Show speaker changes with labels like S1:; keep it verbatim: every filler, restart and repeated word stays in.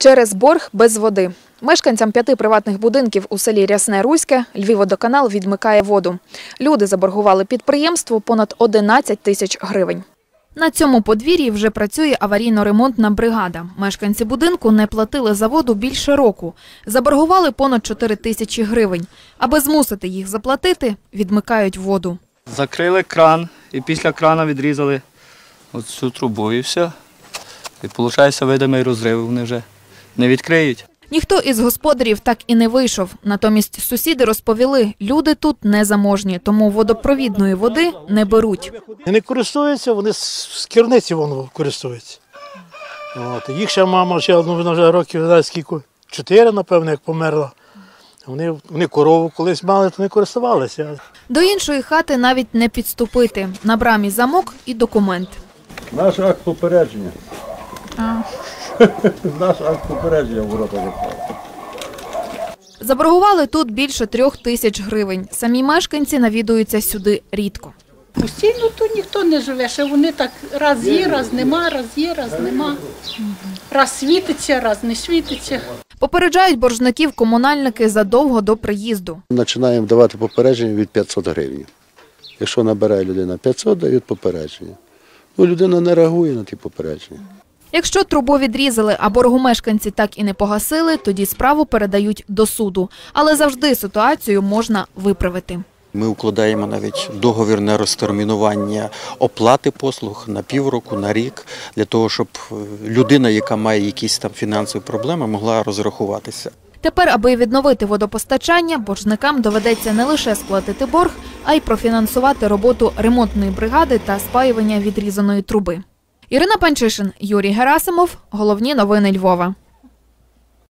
S1: Через борг без води. Мешканцям п'яти приватних будинків у селі Рясне-Руське Львівводоканал відмикає воду. Люди заборгували підприємству понад одинадцять тисяч гривень. На цьому подвір'ї вже працює аварійно-ремонтна бригада. Мешканці будинку не платили за воду більше року. Заборгували понад чотири тисячі гривень. Аби змусити їх заплатити, відмикають воду.
S2: Закрили кран і після крана відрізали оцю трубу і все. І виходить, видимий розрив, вони вже не відкриють.
S1: Ніхто із господарів так і не вийшов. Натомість сусіди розповіли, люди тут незаможні, тому водопровідної води не беруть.
S3: Не користуються, вони з керниці воно користуються. От. Їх ще мама, ще, ну, вона вже років, не скільки, чотири, напевно, як померла. Вони, вони корову колись мали, то не користувалися.
S1: До іншої хати навіть не підступити. На брамі замок і документ.
S4: Наш акт попередження.
S1: А.
S4: Наш акт попередження в ворота заклали.
S1: Заборгували тут більше трьох тисяч гривень. Самі мешканці навідуються сюди рідко.
S5: Постійно тут ніхто не живе, що вони так раз є, раз нема, раз є, раз нема. Раз світиться, раз не світиться.
S1: Попереджають боржників комунальники задовго до приїзду.
S6: Починаємо давати попередження від п'ятсот гривень. Якщо набирає людина п'ятсот, дають попередження. Ну, людина не реагує на ті попередження.
S1: Якщо трубу відрізали, а боргу мешканці так і не погасили, тоді справу передають до суду. Але завжди ситуацію можна виправити.
S7: Ми укладаємо навіть договір на розтермінування оплати послуг на півроку, на рік, для того, щоб людина, яка має якісь там фінансові проблеми, могла розрахуватися.
S1: Тепер, аби відновити водопостачання, боржникам доведеться не лише сплатити борг, а й профінансувати роботу ремонтної бригади та спаювання відрізаної труби. Ірина Панчишин, Юрій Герасимов. Головні новини Львова.